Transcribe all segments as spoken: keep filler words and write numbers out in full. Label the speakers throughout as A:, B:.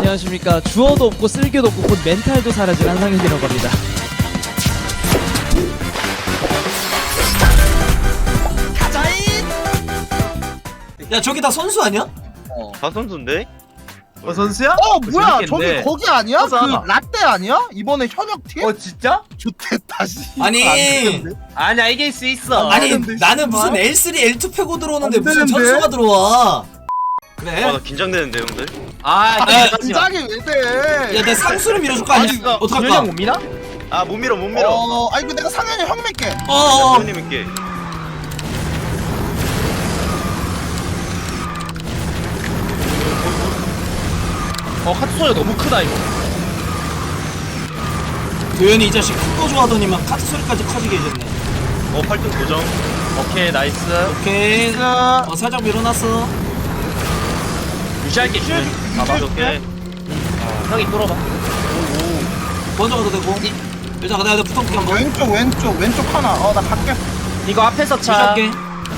A: 안녕하십니까. 주어도 없고 쓸개도 없고 곧 멘탈도 사라진 한상혁이라고 합니다.
B: 야 저기 다 선수 아니야?
C: 어. 다 선수인데?
D: 어 선수야?
E: 어 뭐야 저기
D: 재밌겠네.
E: 거기 아니야?
D: 맞아.
E: 그 라떼 아니야? 이번에 현역 팀?
D: 어 진짜?
E: 좋댔다 씨.
B: 아니.
E: 안 되는데?
D: 아니야 이길 수 있어.
B: 아니
E: 되는데,
B: 나는 무슨
E: 씨발.
B: 엘 쓰리 엘 투 패고 들어오는데
E: 안
B: 무슨
E: 되는데?
B: 선수가 들어와. 그래?
C: 아 나 긴장되는데 형들?
D: 아
B: 아,
E: 긴장이 왜 돼?
B: 야 내 상수를 밀어줄 거 아니야?
D: 아니 주현이
B: 어떡할까?
D: 형 못 미나?
C: 아 못 밀어 못 밀어.
E: 어, 아니 그 내가 상현이 형 맺게.
B: 어어
C: 형님께.
D: 어 카트 소리가 너무 크다 이거.
B: 도현이 이 자식 큰 거 좋아하더니만 카트 소리까지 커지게 해줬네.
C: 어 팔등 고정.
D: 오케이 나이스.
B: 오케이.
E: 자,
B: 어 살짝 밀어놨어.
D: 유지할게 주현이.
C: 아 오케이.
D: 형이 뚫어봐.
B: 먼저 가도 되고. 일단 내가 붙어볼게 한번.
E: 왼쪽 왼쪽 왼쪽 하나. 어 나 갈게.
D: 이거 앞에서 차.
B: 시작할게.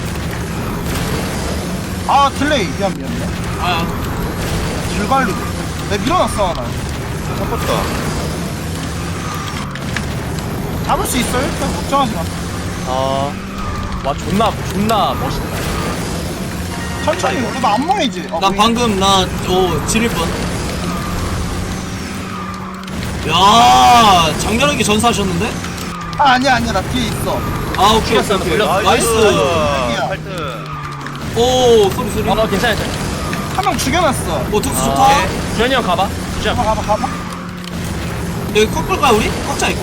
E: 아 딜레이 미안 미안 미안.
B: 아
E: 줄 관리. 내가 밀어놨어 하나.
C: 잡았다.
E: 잡을 수 있어 일단 걱정하지 마.
D: 어. 와 존나 존나 멋있다.
E: 천천히. 어, 나안 모이지. 어,
B: 나
E: 보이네.
B: 방금 나어 지릴 뻔. 야 장렬하게 전사하셨는데?
E: 아 아니야 아니야 나 뒤에 있어.
B: 아 오케이 오케이
D: 죽였어,
B: 오케이.
D: 돌렸어.
B: 나이스.
C: 팔등.
B: 오 소리 소리.
D: 어 괜찮아 괜찮아.
E: 한 명 죽여놨어.
B: 오 특수
D: 아,
B: 좋다.
D: 오케이. 주현이 형 가봐. 주현.
E: 가봐 가봐 가봐.
B: 여기 꺾 끌까 우리? 꺾자 이거.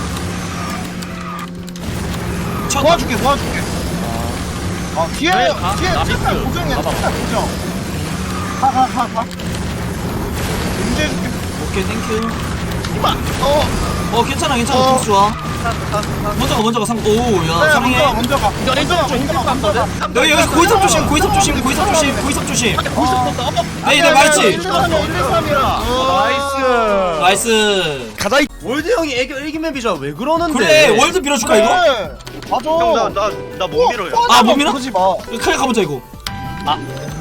B: 쳤다.
E: 도와줄게 도와줄게. 어 뒤에
D: 그래, 가.
E: 뒤에
D: 나이스.
E: 칠팔 고정이야
D: 가봐.
E: 칠팔 고정. 가 가 가 가. 문제해줄게.
B: 오케이 땡큐.
E: 이봐. 어.
B: 어 괜찮아 괜찮아
E: 어.
B: 특수 좋아. 먼저 가 먼저 가 상. 오야
E: 그래,
B: 사랑해.
E: 먼저 가 먼저 가.
D: 이거 일등 좀 힘들 것 같거든.
B: 여기 여기 고이섭 조심 고이섭 조심 고이섭 조심 고이섭 조심. 네, 네, 말지.
E: 일, 이, 삼, 일, 이, 삼이야.
D: 나이스.
B: 나이스.
D: 가자. 월드 형이 애교 일기 맵이잖아. 왜 그러는데?
B: 그래 월드 빌어줄까 이거?
E: 그래. 맞아.
C: 형나나나 못 밀어요.
B: 아, 못 밀어?
E: 그러지 마.
B: 크게 가보자 이거.
D: 아.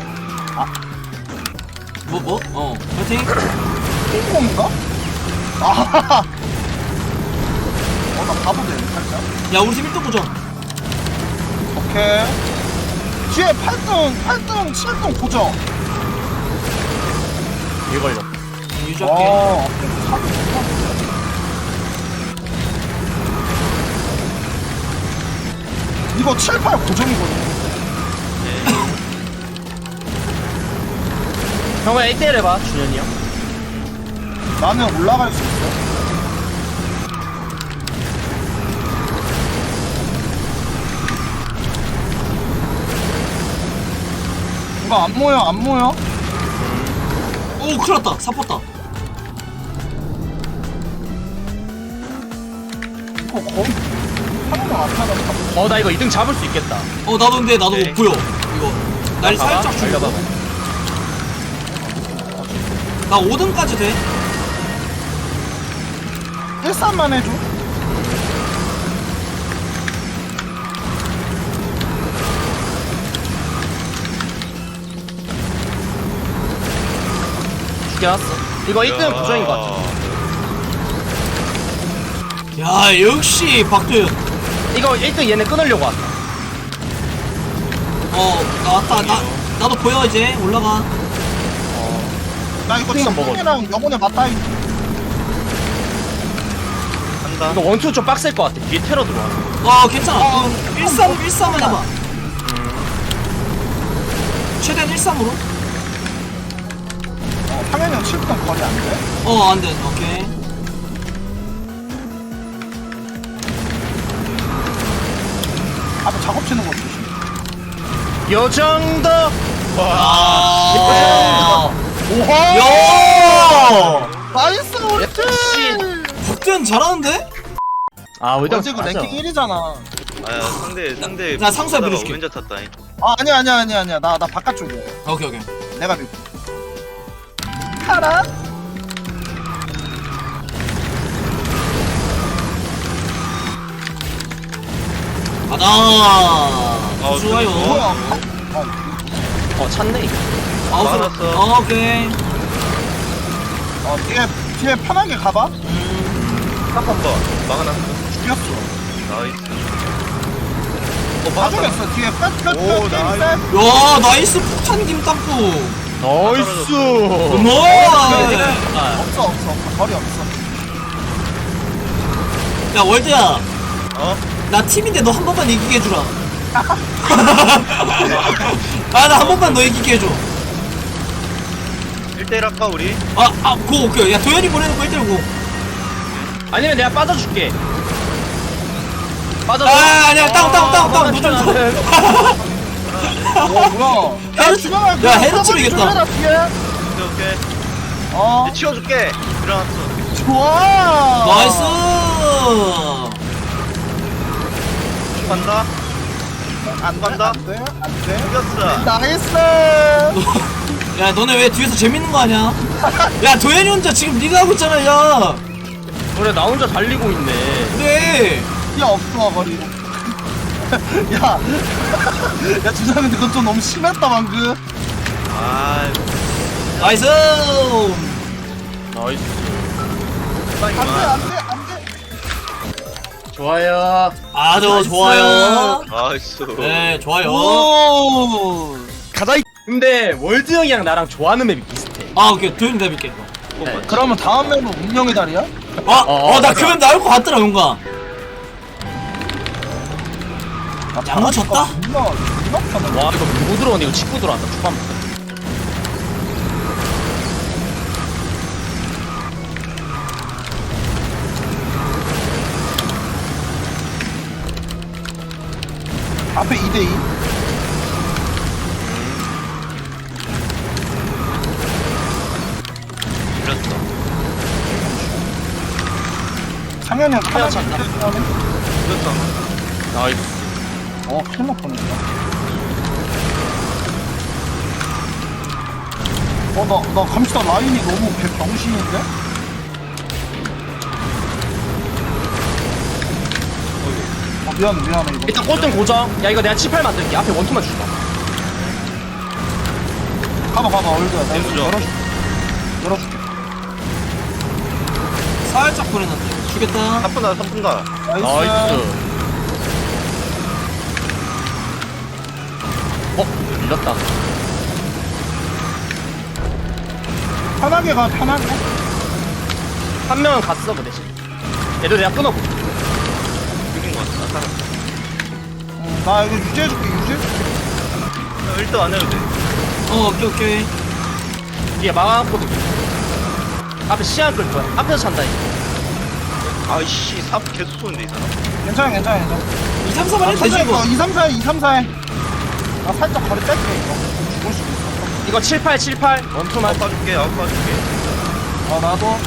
B: 뭐 뭐? 어 파이팅.
E: 콩콩인가? 아. 어나 바보 되네 살짝.
B: 야 우리 팀 일 등 보자.
E: 오케이. 뒤에 팔 등, 팔 등, 칠 등 고정.
D: 이거 걸려.
B: 유지할게.
E: 어. 이거 칠, 팔 고정이거든.
D: 형아 일 대 일 해봐. 준현이 형.
E: 나는 올라갈 수 있어. 이거 안 모여, 안 모여.
B: 오 큰일났다 사포다.
E: 이거 거의 하나만 안 타다.
D: 어 나 이거 이 등 잡을 수 있겠다.
B: 어 나도 근데 나도
C: 네.
B: 못 보여 이거. 날
D: 봐봐.
B: 살짝 줄여.
D: 달려봐봐.
B: 나 오 등까지 돼.
E: 일, 삼만 해줘.
D: 죽여놨어. 이거 일 등 부정인 것 같아.
B: 야 역시 박도현.
D: 이거 일 등 얘네 끊으려고 왔다.
B: 어 나왔다. 나 나도 보여 이제 올라가.
E: 나 이거
D: 만 먹어.
E: 친구랑 영혼의 맞다이.
C: 한다.
D: 이거 원투 좀 빡셀 것 같아. 뒤에 테러 들어와.
B: 어 괜찮아. 어, 일삼 일삼을 해봐. 최대한 일삼으로.
E: 어, 상현이 형 칠 등 거리 안 돼?
B: 어 안돼. 오케이.
E: 앞에 작업 치는 거 조심.
D: 요 정도.
B: 아.
E: 오하!
B: 야.
E: 나이스 우리
D: 역시.
E: 팀!
B: 박도현 잘하는데?
D: 아 우리
E: 어제 그 랭킹 일이잖아.
C: 아 상대 상대.
B: 나 상수야
C: 하다가
B: 밀어줄게.
C: 왼쪽 탔다잉.
E: 아 아니야 아니야 아니야 아니야 나 나 바깥쪽이야.
B: 오케이 오케이.
E: 내가 밀고. 가라.
B: 가자.
C: 아,
B: 좋아요.
E: 뭐야?
D: 어 찼네 이거.
B: 아웃.
C: 막았어.
B: 어, 오케이.
E: 어 뒤에 뒤에 편하게 가봐.
C: 딱 한 번. 막아놨어.
E: 죽였어.
C: 나이스. 어,
E: 다
C: 막았다.
E: 죽였어. 뒤에 끝끝끝
C: 오,
E: 게임
C: 나이스.
E: 셋.
B: 야 나이스 폭탄 김땅콩.
D: 나이스.
B: 뭐?
E: 없어 없어 없어 거리 없어.
B: 야 월드야.
C: 어?
B: 나 팀인데 너 한 번만 이기게 해주라. 아 나 한 번만 너 이기게 해줘.
C: 일 대 일 할까 우리?
B: 아아고 오케이. 야 도현이 보내놓고 일 대일 고.
D: 아니면 내가 빠져줄게. 빠져줘.
B: 아 아니야 땅땅땅땅 무슨
E: 어 뭐야?
B: 헤르-
E: 죽여라.
B: 야, 헤르츠로 이겼다.
E: 죽여라, 뒤에.
C: 오케이 오케이.
E: 어
C: 이제 치워줄게. 일어났어.
E: 좋아.
B: 나이스.
C: 간다.
E: 안
C: 간다.
E: 안돼 안돼.
C: 죽였어.
E: 나이스.
B: 야 너네 왜 뒤에서 재밌는 거 아니야? 야 도현이 혼자 지금 네가 하고 있잖아. 야
D: 그래 나 혼자 달리고 있네.
B: 그래.
E: 야 없어 거리. 야, 야 주장인데 그건 좀 너무 심했다 방금.
C: 아,
B: 나이스.
D: 나이스.
E: 안돼
C: 빵이만.
E: 안돼 안돼.
D: 좋아요.
B: 아주
E: 나이스.
C: 아,
B: 좋아요.
C: 나이스.
B: 네 좋아요.
E: 오.
D: 가자. 근데 월드 형이랑 나랑 좋아하는 맵이 비슷해.
B: 아 오케이 도현이 내볼게.
C: 네.
E: 그러면 다음 맵은 운명의 달이야?
B: 어어나
D: 어, 맞아.
B: 그면 나올 것 같더라 용가.
E: 아,
B: 양호 쳤다?
E: 운명 운명 쳤네.
D: 와 이거 누구 들어오는데 이거 직구 들어왔다. 축구 한번.
E: 앞에 이 대 이.
C: 밀렸어.
E: 상현이 형 하나
B: 쳤다.
C: 밀렸어.
D: 나이스.
E: 어 큰일 날 뻔했다. 어나 나 감시다 라인이 너무 개병신인데? 어 미안해 미안해 이거.
D: 일단 꼴등 고정. 야 이거 내가 칠팔 만들게. 앞에 원투만 주자.
E: 가봐 가봐 얼굴야. 내가
C: 내려줘.
E: 열어줄게. 열어줄게.
B: 살짝 보내놨네. 주겠다.
C: 삼 분 다, 삼 분 다.
E: 나이스.
D: 어 밀렸다.
E: 편하게 가 편하게.
D: 한 명은 갔어 그 대신. 얘들 내가 끊어볼게.
C: 이긴 것 같아. 나 살았어.
E: 응, 나 이거 유지해줄게 유지해줄게.
C: 어, 일 등 안 해도 돼.
B: 어 오케이 오케이.
D: 뒤에 막아놨거든. 앞에 시야 끌 거야. 앞에서 찬다 이거.
C: 아이씨, 삽 계속 쏘는데, 이 사람.
E: 괜찮아 괜찮아 괜찮아.
B: 이, 삼, 사만 해도 되지
E: 천천히
B: 이거.
E: 가. 이, 삼, 사 해 이, 삼, 사 해. 나 살짝 거리 뺄게 이거. 죽을 수도 있어.
D: 이거 칠팔 칠팔 원투만.
C: 아웃 봐줄게, 아웃 봐줄게.
E: 어 나도.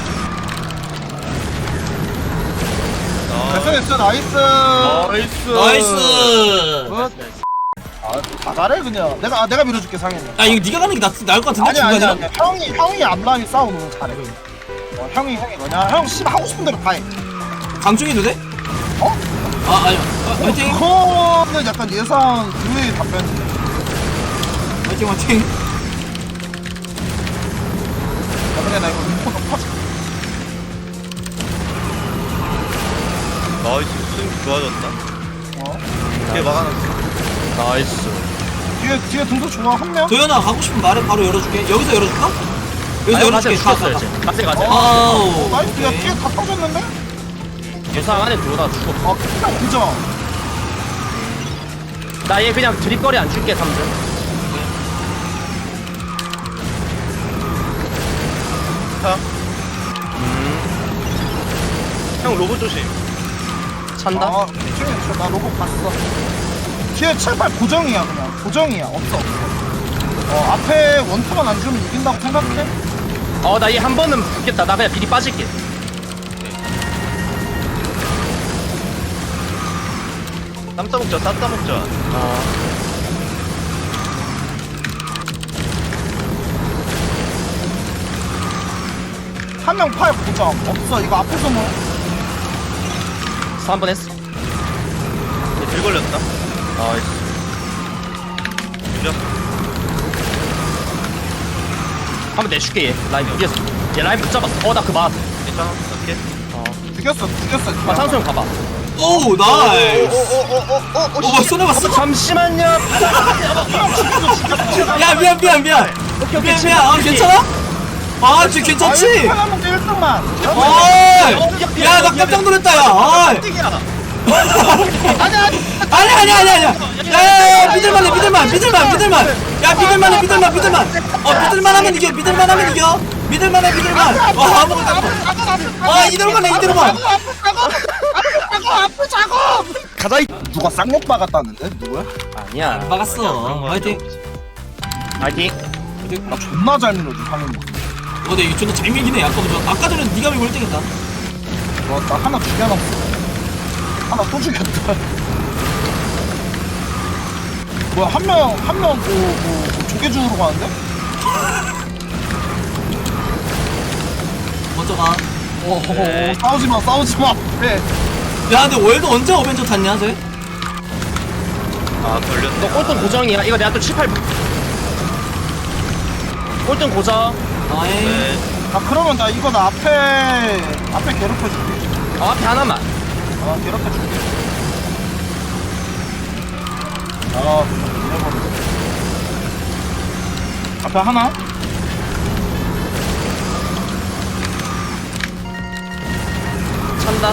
C: 아,
E: 됐어 됐어 나이스.
D: 나이스.
B: 나이스.
E: 굿. 아, 다 잘해 그냥. 내가 아, 내가 밀어줄게 상현이.
B: 야 이거 네가 가는 게 낫, 나을 것 같은데
E: 아니 아니
B: 중간이라?
E: 아니. 형이 형이 앞라인 싸우는 거 잘해. 어, 형이 형이 뭐냐? 형 씨발 하고 싶은 대로 다 해.
B: 강중해도 돼?
E: 어?
B: 아 아니야. 아, 화이팅.
E: 그거는 약간 예상 그외의 답변인데.
B: 화이팅 화이팅.
E: 아, 근데 나 이거 리포 높아줄게.
C: 나이스. 스윙 좋아졌다.
E: 어?
C: 뒤에 막아놨어.
D: 나이스.
E: 뒤에 뒤에 등수 좋아 한 명.
B: 도현아 가고 싶으면 말해 바로 열어줄게. 여기서 열어줄까? 여기서
D: 아니
B: 열어줄게.
D: 가세 죽었어 이제. 가세 가세.
B: 아우.
E: 나이스. 야 뒤에 다 터졌는데?
D: 유상 안에 들어오다 죽었어.
E: 어 그냥 그죠.
D: 나 얘 그냥 드립거리 안 줄게 삼 등.
C: 타. 형, 로봇 조심.
D: 찬다.
E: 아, 뒤에 저- 나 로봇 봤어. 뒤에 칠팔 고정이야 그냥 고정이야 없어 없어. 어 앞에 원투만 안 주면 이긴다고 생각해?
D: 어 나 얘 한 번은 붙겠다. 나 그냥 미리 빠질게.
C: 쌈 싸먹자, 쌈 싸먹자.
D: 어.
E: 한 명 팔 고정 없어 이거 앞에서 뭐
D: 그래서 한 번 했어.
C: 길 걸렸다.
D: 나이스.
C: 밀렸어.
D: 한 번 내줄게 얘. 라인 여기에서. 얘 라인 붙잡았어. 어나 그 맞았어.
C: 괜찮아? 오케이.
E: 죽였어 죽였어
D: 아 창수 형 가봐.
B: 오 나이스.
C: 오오오오오오
B: 오 손해 봤어.
D: 잠시만요.
B: 야 미안 미안 미안.
D: 오케이 오케이
B: 미안 미안. 아 괜찮아? 아 지금 괜찮지?
E: 하나만 일 등만
B: 어이. 야나 깜짝 놀랐다 야. 어이. 아니 아니 아니 아니. 야야야 믿을만해 믿을만 믿을만 믿을만. 야 믿을만해 믿을만 믿을만. 어 믿을만하면 이겨 믿을만하면 이겨. 믿을만해 믿을만. 어 아무것도 안 돼. 아 이대로만 해 이대로만.
E: 가자 이 누가 쌍욕 박았다는데? 누구야?
D: 아니야.
B: 막았어. 화이팅.
D: 파이팅.
E: 나 존나 잘 밀어줘 상현 뭐.
B: 어 근데 이거 존나 잘 밀긴 해. 아까 저 아까 전에 네가 밀고 일 등했다.
E: 와, 나 하나 죽여놨어. 하나 또 죽였다. 뭐야, 한 명, 한 명, 뭐, 뭐, 뭐 조개주우러 가는데?
B: 먼저 가.
E: 어,
D: 네.
E: 어, 싸우지 마, 싸우지 마. 네.
B: 야 근데 월드 언제 어벤져 탔냐 쟤?
C: 아 걸렸네.
D: 너 꼴등 고정이야. 이거 내가 또 칠, 팔. 꼴등 고정.
B: 아이.
C: 네.
E: 아, 그러면 나 이거 나 앞에, 앞에 괴롭혀줄게.
D: 어, 앞에 하나만.
E: 아, 괴롭혀줄게. 아, 잃어버렸어. 앞에 하나?
D: 찬다.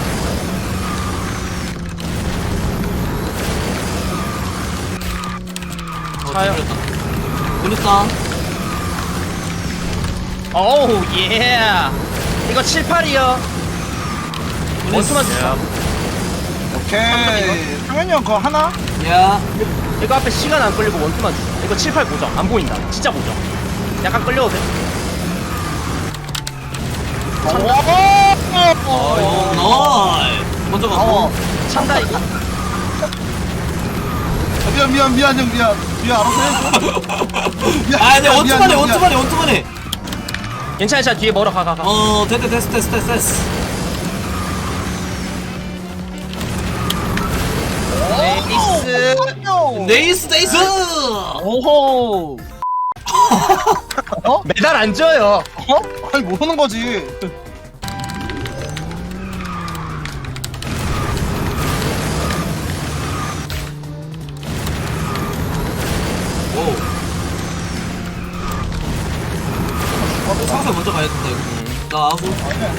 D: 차요.
B: 걸렸다.
D: 오우 예. 이거 칠, 팔이요. 원투만 주자.
E: 오케이. 상현이 형 그거 하나?
B: 야.
D: 이거 앞에 시간 안 끌리고 원투만 주자. 이거 칠, 팔 고정. 안 보인다. 진짜 고정. 약간 끌려도 돼.
E: 오!
B: 어 나이스. 먼저 가.
E: 어.
D: 찬다 이거.
E: 미안 미안 미안 형 미안 미안 알아서 해줘. 미안,
B: 아 근데
E: 미안,
B: 원투만 해
E: 미안,
B: 원투만 해 원투만 해.
D: 괜찮아, 괜찮아. 뒤에 멀어 가, 가, 가.
B: 어 됐다 됐어 됐어 됐어 됐어.
D: 네이스.
E: 미안.
B: 네이스 네이스.
E: 오호. 어?
D: 메달 안 줘요.
E: 어? 아니 모르는 거지.
B: 오. 상사 먼저 가야 된다 이거. 나 아웃.
E: 아니 아니.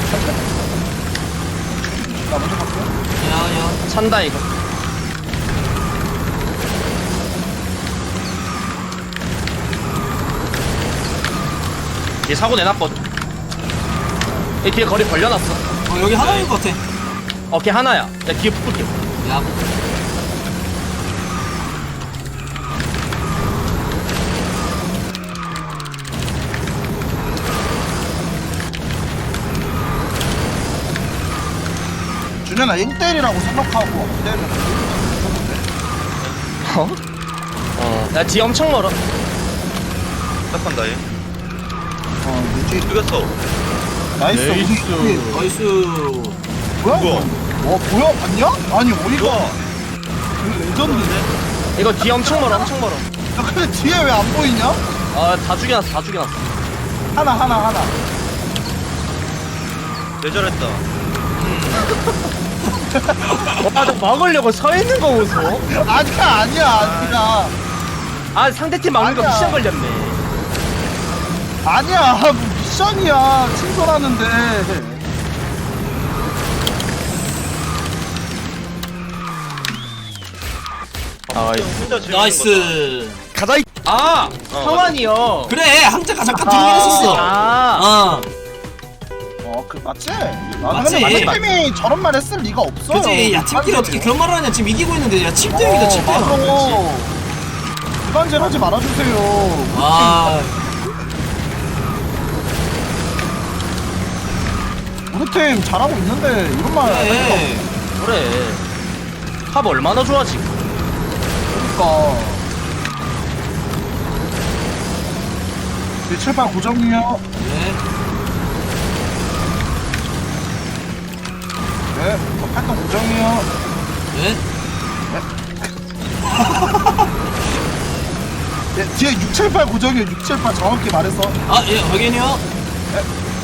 E: 나 먼저 갈게.
B: 야야.
D: 찬다 이거. 얘 사고 내놨거든. 얘 뒤에 거리 벌려놨어.
B: 어 여기 하나인 것 같아.
D: 어, 걔 하나야. 야, 뒤에 붙을게.
B: 야.
E: 준현아 일 대일이라고 생각하고 안 되면
D: 어? 어. 야, 뒤에 엄청 멀어.
C: 딱한다 얘.
E: 어 늦지.
C: 죽였어.
E: 나이스.
D: 네이스.
E: 우리-
B: 나이스.
E: 뭐야?
C: 뭐야?
E: 와 뭐야 봤냐? 아니 어이가.
C: 좋아.
E: 그 레전드네.
D: 이거 뒤에 엄청 멀어, 엄청 멀어.
E: 야 근데 뒤에 왜 안 보이냐?
D: 아, 다 죽여놨어, 다 죽여놨어.
E: 하나 하나 하나.
C: 내절했다.
D: 와, 너 막으려고 서 있는 거 보소.
E: 아니야 아니야 아니야.
D: 아, 상대팀 막는 거
E: 아니야.
D: 미션 걸렸네.
E: 아니야 뭐 미션이야 친절하는데.
D: 아,
C: 혼자 재밌는
B: 나이스.
E: 가자.
D: 아,
C: 어,
D: 성환이요.
B: 그래 항자가 잠깐 들긴 했었어.
D: 아,
B: 어.
E: 어그 맞지?
B: 맞지.
E: 맞지. 팀이 저런 말 했을 리가 없어.
B: 그치. 야 팀끼리 어떻게 그런 말을 하냐. 지금 이기고 있는데 야 칠 대영이다 칠 대영.
E: 맞아. 일반질 하지 말아주세요.
B: 아.
E: 우리 팀 잘하고 있는데 이런 말 할 리가
B: 그래.
D: 그래. 합 얼마나 좋아, 지금.
E: 없으니까. 칠, 팔 고정이요.
B: 네.
E: 네, 팔 등 고정이요.
B: 네.
E: 네, 뒤에 육, 칠, 팔 고정이요. 육, 칠, 팔 정확히 말해서.
B: 아 예 확인이요.
E: 네.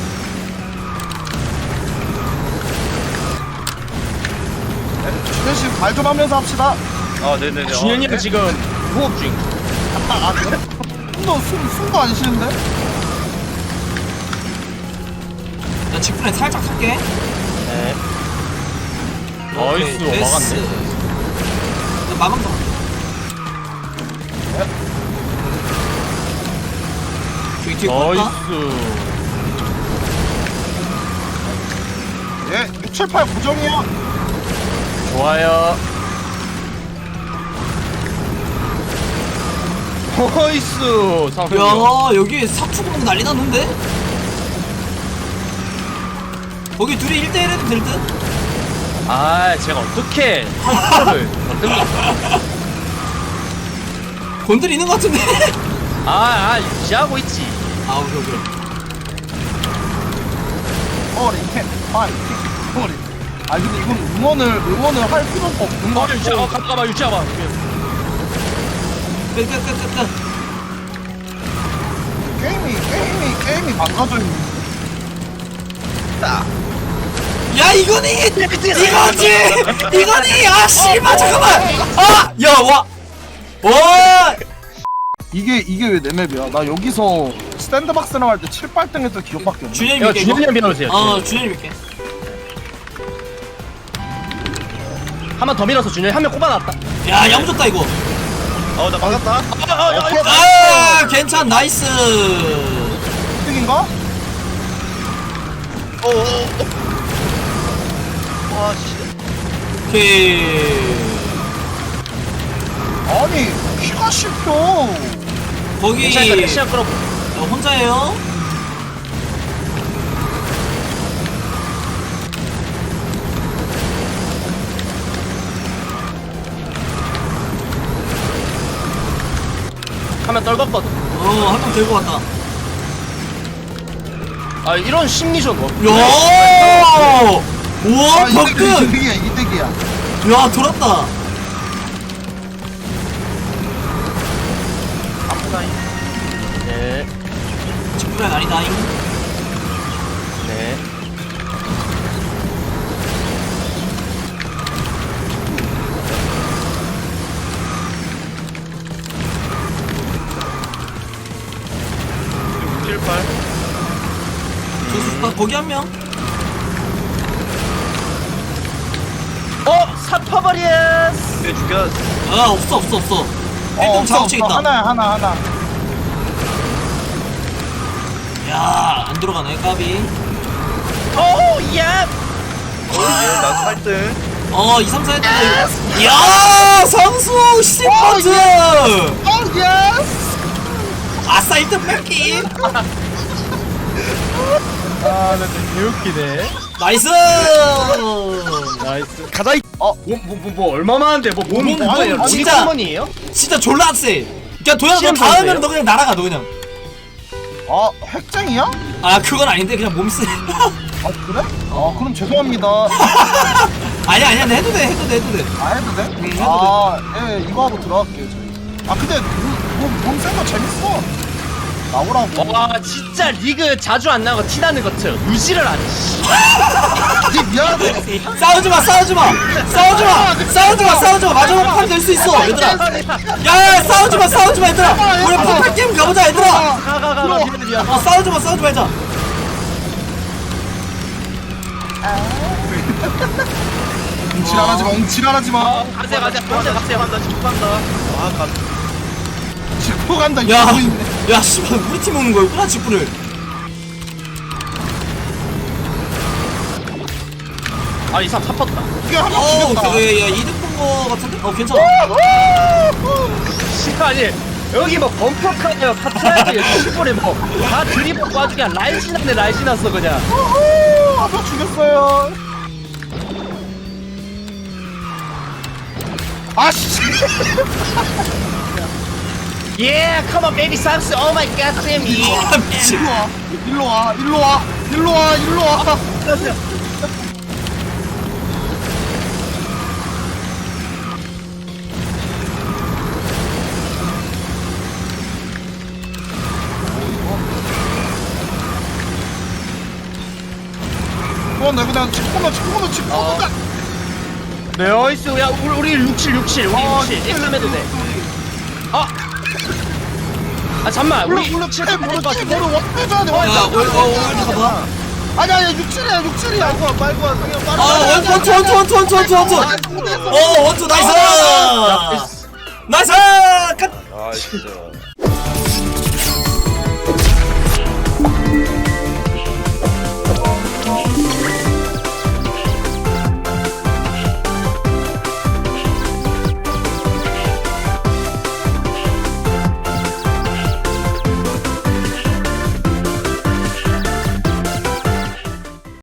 E: 말 좀 하면서 합시다.
C: 아 네네네.
D: 준현이
C: 어,
D: 형 지금 무업 중.
E: 아, 아 그래? 너 숨, 숨도 안 쉬는데?
B: 나 직분에 살짝 탈게.
D: 네.
B: 오케이,
D: 나이스,
B: 됐어.
D: 막았네.
B: 나 마감도 안 돼. 저기 뒤에 볼까?
D: 나이스.
E: 예, 육, 칠, 팔 고정이야.
D: 좋아요. 나이스. 상승.
B: 야 여기 삭추공 난리 났는데? 거기 둘이 일 대 일 해도 될 듯?
D: 아, 제가 어떻게 한타를 건듭니까?
B: 건드리는 것 같은데?
D: 아, 아, 유지하고 있지.
B: 아 오케이 오케이.
E: 어리, 텐, 파이팅, 어리. 아 근데 이건 응원을 응원을 할 필요가 없는 거
D: 어, 유지하, 어,
E: 같아.
D: 잠깐만, 유지하봐.
B: 끝끝끝끝.
E: 게임이 게임이 게임이 망가져 있는.
B: 야 이거니! 이거지! 이거니! 아 씨발 잠깐만! 아! 야 와! 와!
E: 이게 이게 왜 내 맵이야? 나 여기서 스탠드박스 나갈 때 칠, 팔 등 했던 기억밖에 없네.
B: 준현이
D: 야,
B: 밀게
D: 준현이
B: 이거?
D: 형 밀어주세요.
B: 어 준현이 밀게.
D: 한 번 더 밀어서 준현이 한 명 꼽아놨다.
B: 야 양줬다 이거.
C: 어나 막았다.
B: 아 괜찮 나이스.
E: 득인가?
C: 어어어. 와 씨.
B: 오케이.
E: 아니 키가 씹혀.
B: 거기
D: 괜찮으니까 시간 끌어.
B: 어, 혼자예요?
D: 하면 떨궜거든.
B: 어한 명 들고 왔다.
D: 아, 이런 심리전 뭐.
B: 야! 우와
E: 아, 이득,
B: 덕근!
E: 이득이야 이득이야.
B: 야 돌았다.
D: 네,
B: 직구가 아니다잉.
D: 네.
C: 칠, 팔.
B: 조수수다 거기 한 명.
D: 어, 사파바리에스.
C: 네 죽여.
B: 아 없어 없어 없어.
E: 어,
B: 일 등
E: 없어,
B: 작업책
E: 없어.
B: 있다.
E: 하나야 하나 하나.
B: 야안 들어가네 까비.
D: 오, 야.
C: 어얘 나도 팔 등.
B: 어 이, 삼, 사 했다 이거. 야 성수 십 번째.
E: 어 예스.
B: 아싸 일 등 뺏기.
D: 아, 나 진짜 개웃기네.
B: 나이스.
D: 나이스. 가자. 이-
E: 어.
D: 뭐, 뭐, 뭐, 뭐 얼마만한데? 뭐, 몸,
B: 몸,
D: 뭐예요?
B: 몸
D: 몸이
B: 진짜.
D: 커먼이에요?
B: 진짜 졸라 세. 그냥 도현아 너
D: 시험
B: 닿으면
D: 선수예요?
B: 너 그냥 날아가 너 그냥.
E: 아 핵쟁이야?
B: 아 그건 아닌데 그냥 몸 세.
E: 아 그래? 아 그럼 죄송합니다.
B: 아니야 아니야 해도 돼 해도 돼 해도 돼.
E: 아 해도 돼?
B: 응, 해도
E: 아예 이거 하고 들어갈게요 저희. 아 근데 몸센거 재밌어. 나오라고.
D: 와, 진짜 리그 자주 안 나고 티나는 것처럼 유지를 안 해.
E: 니 미안해.
B: 싸우지 마 싸우지 마 싸우지 마 싸우지 마 싸우지 마 마지막 판 될 수 있어 얘들아. 야야 싸우지 마 싸우지 마 얘들아. 우리 퍼펙 게임 가보자 얘들아.
D: 가, 가, 가, 가. 미안해, 미안해.
B: 어 싸우지 마 싸우지 말자.
E: 웅칠하지 마, 웅칠하지 마.
D: 어, 가세요, 가세요, 가세요, 가세요.
C: 간다 직구한다. 아 가.
E: 짚고 간다
B: 야,
E: 이러고 있네.
B: 야, 씨발, 우리 팀 오는 거였구나, 직구를.
D: 아, 이 사람 사뻤다.
E: 이게 한명
B: 어,
E: 죽였다.
B: 그래, 야, 이득 본거 같은데? 어, 괜찮아.
D: 아니, 여기 뭐 범퍼카냐, 카트라이드, 슈퍼리 뭐, 다 드리블 아주 그냥 라이신하네, 라이신났어, 그냥.
E: 우후, 아빠 죽였어요. 아씨.
D: Yeah, come on, baby, 상수. Oh my god, damn you.
B: 아, 미친.
E: 일로 와, 일로 와, 일로 와, 일로 와, 일로 와. 그건 내 그냥 짚고 나, 짚고 나, 짚고 나.
D: 나이스. 야 우리 우리 육칠 육칠 우리
E: 아,
D: 육칠
E: 육칠,
D: 액삼 해도 돼.
E: 육칠.
D: 아. 아 잠만
E: 물론
D: 우리
E: 물론 칠칠 모르 칠칠 모르 원투 해줘야 돼.
B: 야
E: 원투.
B: 올, 어 오늘 가봐
E: 아니 아니 육칠이야 육칠이야.
C: 빨고 와 빨고 와 상현 빨고
B: 아
C: 와.
B: 원투 원투 원투 원투 원투 원투 원투 어 원투 나이스 나이스 끝
C: 아 진짜